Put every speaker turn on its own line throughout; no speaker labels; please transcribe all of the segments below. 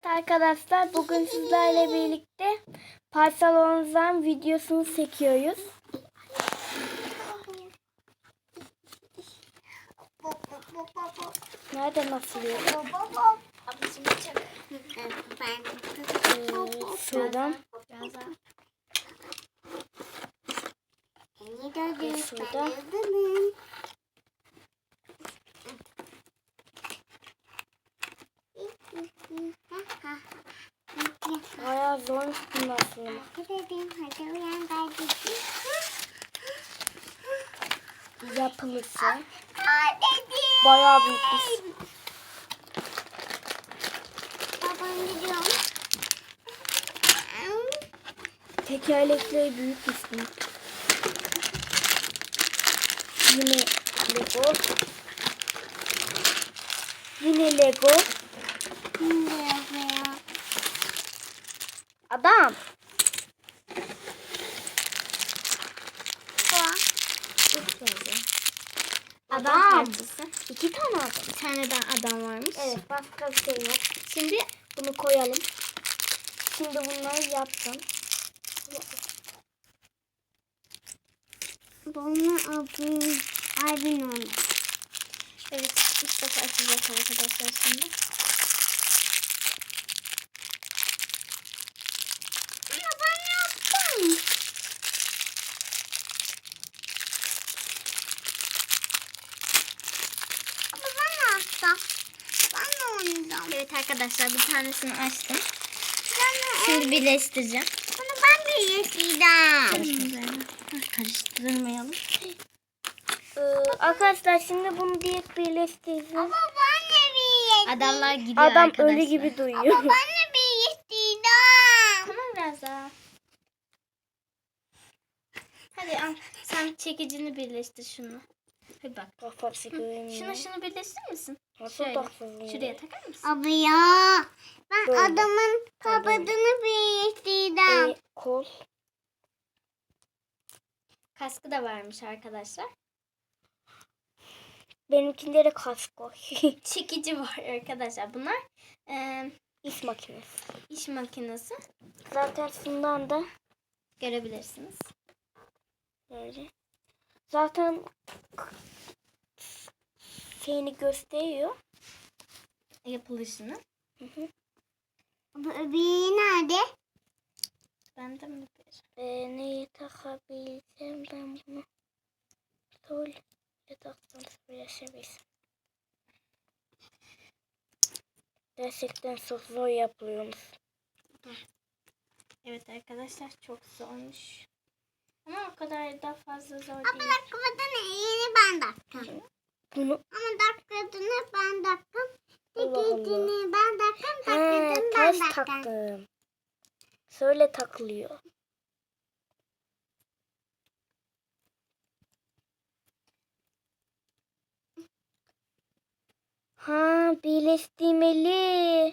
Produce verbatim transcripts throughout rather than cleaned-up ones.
Arkadaşlar bugün sizlerle birlikte parsalonuzdan videosunu çekiyoruz. Nerede nasıl yiyor? Ee, şuradan. Ee, şuradan. Bayağı zormuş bunun aslında. Yapılırsa bayağı büyükmüş. Tekerlekleri büyükmüş bunun. Yine Lego. Yine Lego. Adam.
Adam parçası.
İki tane adam.
Bir tane daha adam varmış.
Evet, başka bir şey yok. Şimdi bunu koyalım. Şimdi bunları yapacağım.
Bunu abim, abim oldu. Evet, ilk defa açacağız arkadaşlar şimdi. Ama ben yaptım. Ama ben yaptım. Ben de oynayacağım. Evet arkadaşlar, bir tanesini açtım. Şimdi birleştireceğim. Bunu ben birleştireceğim. Karıştırmayalım.
Ee, arkadaşlar şimdi bunu direkt birleştireceğim.
Ama ben de birleştireceğim. Adamlar gidiyor
Adam
arkadaşlar.
ölü gibi duyuyor.
Ama ben de birleştireceğim. Tamam biraz daha. Hadi al. Sen çekicini birleştir şunu. Hadi bak.
Kafası görünüyor.
Şunu şunu birleştirir misin?
Nasıl
Şöyle.
taksın?
Şuraya takar mısın?
Abi ya ben
Böyle.
adamın kabadını birleştirdim.
Ee, kol.
Kaskı da varmış arkadaşlar.
Benimkinde de kask var.
Çekici var arkadaşlar. Bunlar e,
İş makinesi.
iş makinesi.
Zaten şundan da
Görebilirsiniz.
böyle. Zaten şeyini gösteriyor.
Yapılışını.
Hı hı.
Bu öbürü nerede?
Ben de mi bir?
Ee, neyi takabilsem ben bunu. Sol yataktan söyleşebilsem. Gerçekten çok zor yapılıyormuş.
Evet arkadaşlar, çok zormuş. Ama o kadar da fazla zor
Ama
değil.
dakikadını yeni ben taktım.
Bunu
Ama dakikadını ben taktım.
Allah Allah.
Çekicini ben taktım.
ha,
Dakikadını ben
ters
taktım.
taktım. Şöyle takılıyor. Ha, birleştirmeli.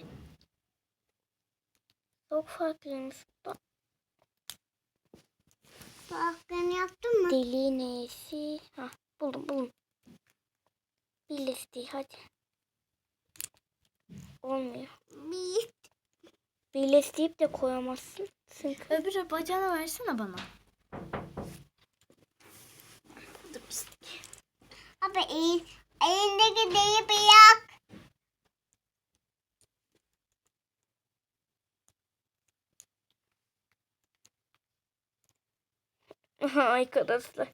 Çok farklıymış. Bak,
Bu hakkını yaptın mı?
deliği neyse. Ha, buldum buldum. Birleştir hadi. Olmuyor.
Bir.
Birleştirip de koyamazsın. Çünkü
Öbürü bacağını versene bana. Dur pislik.
Abi el, elindeki deyi bırak.
arkadaşlar.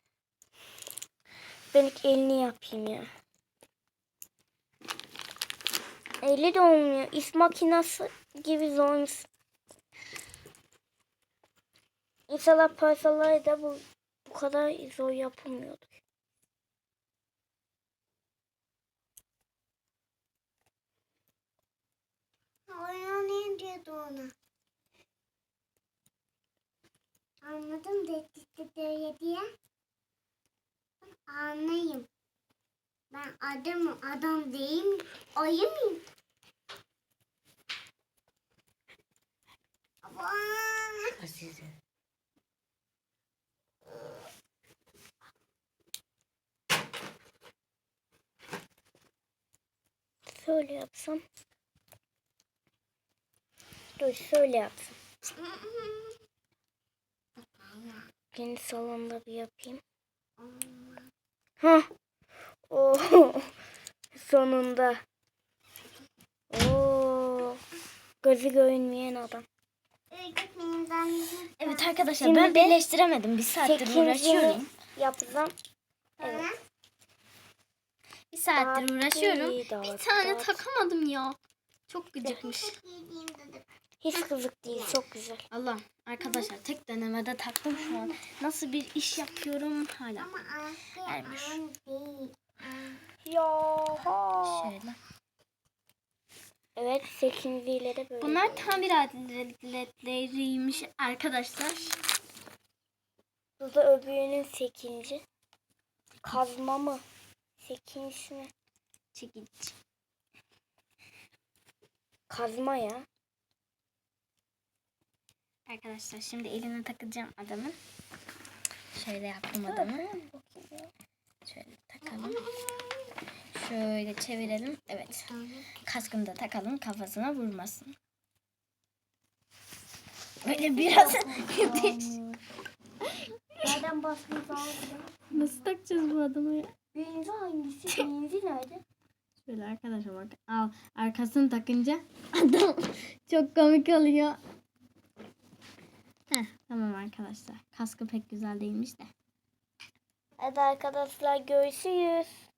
Ben ilk elini yapayım ya. Eli de olmuyor. İş makinesi gibi zormuş. İnşallah parçaları da bu, bu kadar zor yapılmıyordu.
Oynayayım diyordu ona. Anladım dedi diye diye. Anlayayım. Ben adamım, adam değil mi? Ayı mıyım? Ama
Azize.
Şöyle yapsam. Dur şöyle yapsın. Kendi salonda bir yapayım. Hah. Oo. Sonunda. Oo. Gözü görünmeyen adam.
Evet arkadaşlar
Şimdi
ben
de
birleştiremedim. Bir saattir
sekincini
uğraşıyorum.
yapacağım. Evet.
Bir saattir uğraşıyorum.
Dağıt,
Bir
dağıt,
tane
dağıt.
takamadım ya. Çok gıcıkmış.
Hiç kızık değil. Çok güzel.
Allah arkadaşlar tek denemede taktım şu an. Nasıl bir iş yapıyorum hala.
Ama anne
Ermiş.
an değil.
Ya.
Şöyle.
Evet, sekinciyle de böyle.
Bunlar tamir aletleriymiş arkadaşlar.
Bu da öbürünün sekinci. Kazma mı? Sekincisi mi?
Çekiç.
Kazma ya.
Arkadaşlar şimdi eline takacağım adamın. Şöyle yaptım adamı. Şöyle takalım. Şöyle çevirelim. Evet. Kaskını da takalım kafasına vurmasın. Böyle biraz
Nereden basmayı lazım?
nasıl takacağız bu adamı ya?
Birinci hangisi? Birinci nerede?
Şöyle arkadaşlar bak. Al arkasını takınca adam çok komik oluyor. Heh, tamam arkadaşlar. Kaskı pek güzel değilmiş de.
Hadi arkadaşlar görüşürüz.